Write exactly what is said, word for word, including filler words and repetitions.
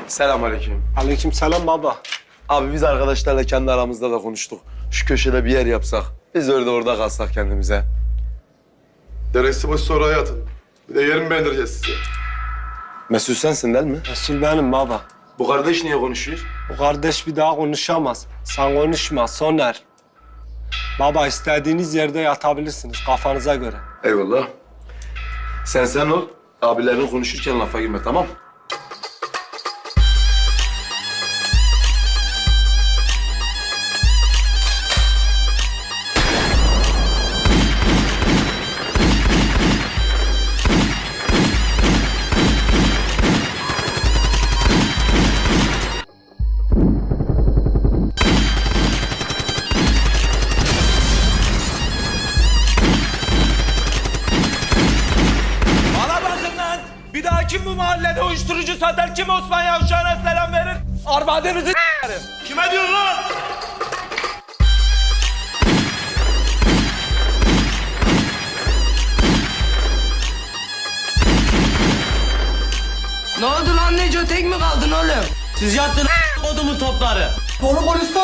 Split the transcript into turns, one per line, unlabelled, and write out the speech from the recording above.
Selamünaleyküm.
Aleykümselam baba.
Abi biz arkadaşlarla kendi aramızda da konuştuk. Şu köşede bir yer yapsak. Biz öyle orada kalsak kendimize.
Deresi başı sonra hayatın. Bir de yerimi beğendireceğiz size.
Mesut sensin değil mi?
Resul benim baba.
Bu kardeş niye konuşuyor?
Bu kardeş bir daha konuşamaz. Sen konuşma Soner. Baba istediğiniz yerde yatabilirsiniz kafanıza göre.
Eyvallah. Sen sen ol. Abilerin konuşurken lafa girme, tamam?
Bana bakın lan! Bir daha kim bu mahallede uyuşturucu satar, kim Osman Yavşan'a selam verir? Armadenizi s**erim. Kime diyorsun lan?
Ne oldu lan Neco, tek mi kaldın oğlum?
Siz yattın kodumun topları.
Konu polis